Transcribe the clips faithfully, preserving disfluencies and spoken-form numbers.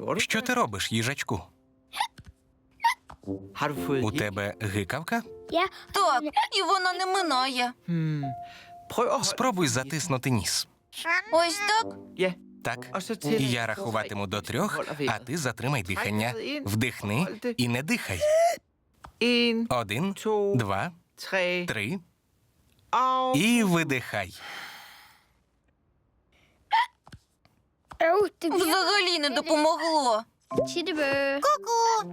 Що ти робиш, їжачку? У тебе гикавка? Так, і вона не минає. Спробуй затиснути ніс. Ось так? Так. І я рахуватиму до трьох, а ти затримай дихання. Вдихни і не дихай. Один, два, три. І видихай. Взагалі не допомогло. Ку-ку!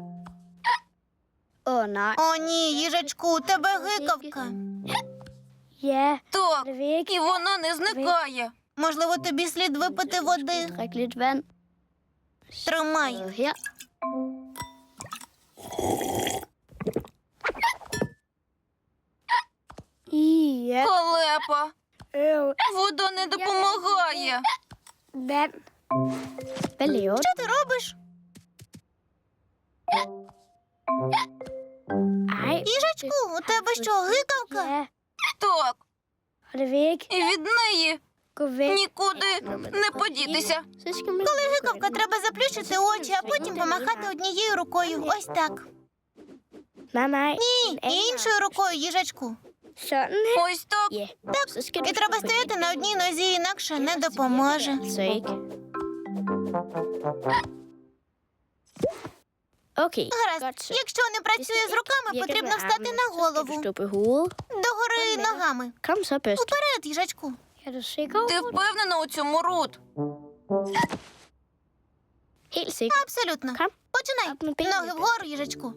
О, ні, їжачку, у тебе гикавка. Так, і вона не зникає. Можливо, тобі слід випити води. Тримай. Халепа. Вода не допомагає. Що ти робиш? Їжачку, у тебе що, гикавка? Так, і від неї нікуди не подітися. Коли гикавка, треба заплющити очі, а потім помахати однією рукою. Ось так. Ні, іншою рукою, їжачку. Ось так. І треба стояти на одній нозі, інакше не допоможе. Гаразд, якщо не працює з руками, потрібно встати на голову. Догори ногами. Уперед, їжачку. Ти впевнена у цьому, Рут? Абсолютно. Починай. Ноги вгору, їжачку.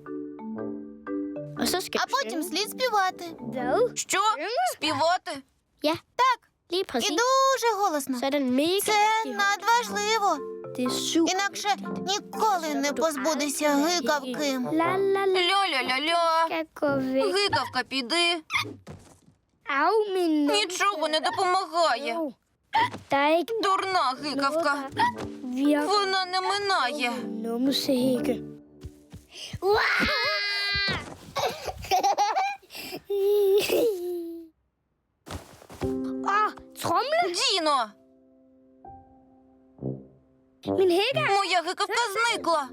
А потім слід співати. Що? Співати? І дуже голосно. Це надважливо. Інакше ніколи не позбудешся гикавки. Ля-ля-ля-ля. Гикавка, піди. Нічого не допомагає. Дурна гикавка. Вона не минає. Діно! Моя гикавка зникла.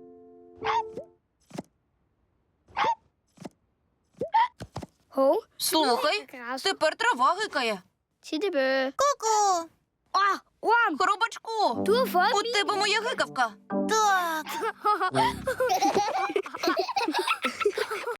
Слухай, тепер трава гикає. Ку-ку. Хробачку, у тебе моя гикавка. Так.